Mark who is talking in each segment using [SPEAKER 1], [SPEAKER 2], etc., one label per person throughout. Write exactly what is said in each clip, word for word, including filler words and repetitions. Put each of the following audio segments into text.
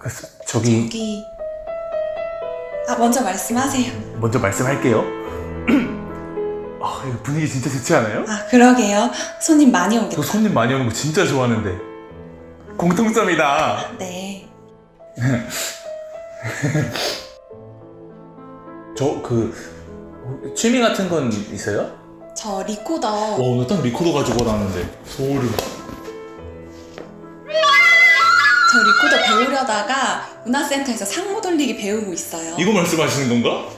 [SPEAKER 1] 저기
[SPEAKER 2] 저기 아 먼저 말씀하세요.
[SPEAKER 1] 먼저 말씀할게요. 아, 이거 분위기 진짜 좋지 않아요?
[SPEAKER 2] 아 그러게요. 손님 많이
[SPEAKER 1] 저
[SPEAKER 2] 오겠다.
[SPEAKER 1] 손님 많이 오는 거 진짜 좋아하는데. 공통점이다.
[SPEAKER 2] 네.
[SPEAKER 1] 저 그 취미 같은 건 있어요?
[SPEAKER 2] 저 리코더
[SPEAKER 1] 와, 오늘 딱 리코더 가지고 나왔는데 소름.
[SPEAKER 2] 저 리코더 배우려다가 문화센터에서 상모 돌리기 배우고 있어요.
[SPEAKER 1] 이거 말씀하시는 건가?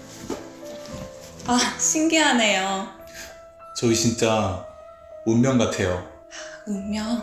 [SPEAKER 2] 아 신기하네요.
[SPEAKER 1] 저희 진짜 운명 같아요.
[SPEAKER 2] 운명.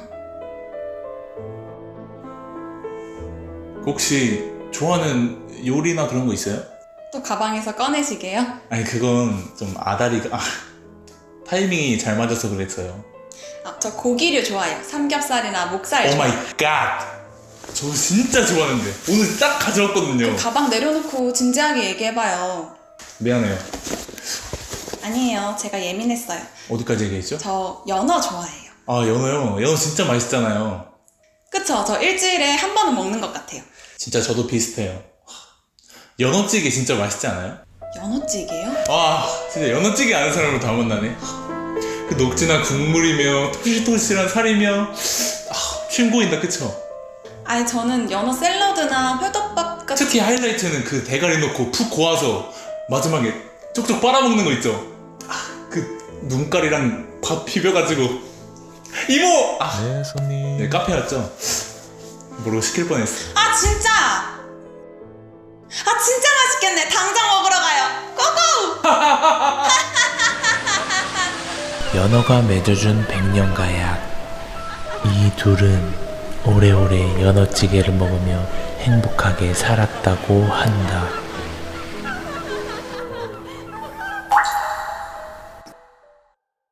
[SPEAKER 1] 혹시 좋아하는 요리나 그런 거 있어요?
[SPEAKER 2] 또 가방에서 꺼내시게요?
[SPEAKER 1] 아니, 그건 좀 아다리가 아, 타이밍이 잘 맞아서 그랬어요.
[SPEAKER 2] 아, 저 고기류 좋아해요. 삼겹살이나 목살
[SPEAKER 1] 오 마이
[SPEAKER 2] 좋아해요.
[SPEAKER 1] 갓! 저 진짜 좋아하는데 오늘 딱 가져왔거든요.
[SPEAKER 2] 가방 내려놓고 진지하게 얘기해봐요.
[SPEAKER 1] 미안해요.
[SPEAKER 2] 아니에요. 제가 예민했어요.
[SPEAKER 1] 어디까지 얘기했죠?
[SPEAKER 2] 저 연어 좋아해요.
[SPEAKER 1] 아, 연어요. 연어 진짜 맛있잖아요.
[SPEAKER 2] 그쵸? 저 일주일에 한 번은 먹는 것 같아요.
[SPEAKER 1] 진짜 저도 비슷해요. 연어찌개 진짜 맛있지 않아요?
[SPEAKER 2] 연어찌개요?
[SPEAKER 1] 와, 진짜 연어찌개 아는 사람으로 다 만나네. 그 녹진한 국물이며 토실토실한 살이며 아, 침 고인다, 그쵸?
[SPEAKER 2] 아니 저는 연어 샐러드나 회덮밥 같은
[SPEAKER 1] 특히 하이라이트는 그 대가리 넣고 푹 고아서 마지막에 쪽쪽 빨아먹는 거 있죠? 아, 그 눈깔이랑 밥 비벼가지고 이모! 아,
[SPEAKER 3] 네, 손님.
[SPEAKER 1] 네, 카페 왔죠? 모르고 시킬 뻔했어.
[SPEAKER 2] 아 진짜! 아 진짜 맛있겠네. 당장 먹으러 가요. 고고!
[SPEAKER 3] 연어가 맺어준 백년가 약. 이 둘은 오래오래 연어찌개를 먹으며 행복하게 살았다고 한다.